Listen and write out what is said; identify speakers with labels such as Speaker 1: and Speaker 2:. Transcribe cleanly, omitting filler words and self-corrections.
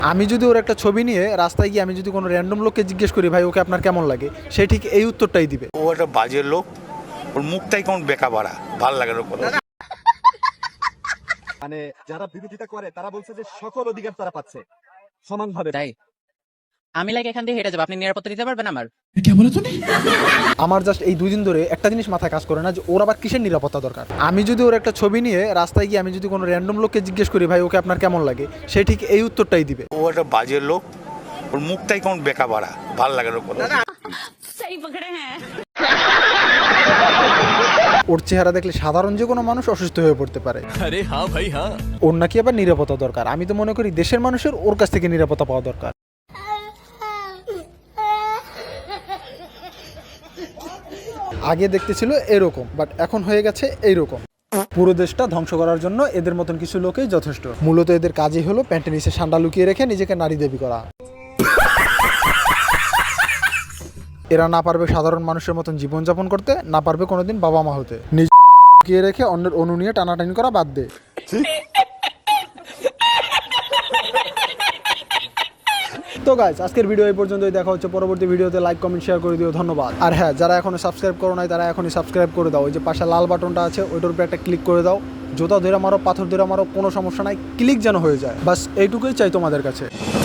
Speaker 1: আমি যদি ওর একটা ছবি নিয়ে রাস্তায় গিয়ে আমি যদি কোনো র্যান্ডম লোককে জিজ্ঞেস করি ভাই ওকে আপনার কেমন লাগে, সে ঠিক এই উত্তরটাই দিবে।
Speaker 2: ও একটা বাজে লোক, ওর মুখটাই কেমন বেকা বাড়া, ভাল লাগে না কথা।
Speaker 3: মানে যারা বিরোধিতা করে তারা বলছে যে সকল অধিকার তারা পাচ্ছে সমানভাবে।
Speaker 4: তাই আমি লাগে এখান থেকে হেঁটে যাবো, আপনি নিরাপত্তা দিতে পারবেন আমার?
Speaker 1: আমার জাস্ট এই 2 দিন ধরে একটা জিনিস মাথায় কাজ করে না যে ওর আবার কিসের নিরাপত্তা দরকার। আমি যদি ওর একটা ছবি নিয়ে রাস্তায় গিয়ে আমি যদি কোনো র্যান্ডম লোককে জিজ্ঞেস করি ভাই ওকে আপনার কেমন লাগে, সে ঠিক এই উত্তরটাই দিবে।
Speaker 2: ও একটা বাজে লোক, ওর মুখটাই কেমন বেকা বাড়া, ভাল লাগে না কথা।
Speaker 5: सही पकड़े हैं।
Speaker 1: ওর চেহারা দেখলে সাধারণ যে কোনো মানুষ অসুস্থ হয়ে পড়তে পারে।
Speaker 6: अरे हाँ भाई हाँ।
Speaker 1: ওর নাকি আবার নিরাপত্তা দরকার। আমি তো মনে করি দেশের মানুষের ওর কাছ থেকে নিরাপত্তা পাওয়া দরকার। আগে দেখতে ছিল এরকম, বাট এখন হয়ে গেছে এইরকম। পুরো দেশটা ধ্বংস করার জন্য এদের মতন কিছু লোকই যথেষ্ট। মূলত এদের কাজই হলো প্যান্টের নিচে সান্ডা লুকিয়ে রেখে নিজেকে নারী দেবী করা। এরা না পারবে সাধারণ মানুষের মতন জীবনযাপন করতে, না পারবে কোনোদিন বাবা মা হতে। নিজে লুকিয়ে রেখে অন্যের অনু নিয়ে টানাটানি করা বাদ দে। তো গাইস, আজকের ভিডিও এই পর্যন্তই। দেখা হচ্ছে পরবর্তী ভিডিওতে। লাইক কমেন্ট শেয়ার করে দিও, ধন্যবাদ। আর হ্যাঁ, যারা এখনো সাবস্ক্রাইব করো নাই তারা এখনই সাবস্ক্রাইব করে দাও। ওই যে পাশে লাল বাটনটা আছে ওইটার উপরে একটা ক্লিক করে দাও। জুতা ধরে মারো, পাথর ধরে মারো, কোনো সমস্যা নাই, ক্লিক যেন হয়ে যায়। বাস এইটুকুই চাই তোমাদের কাছে।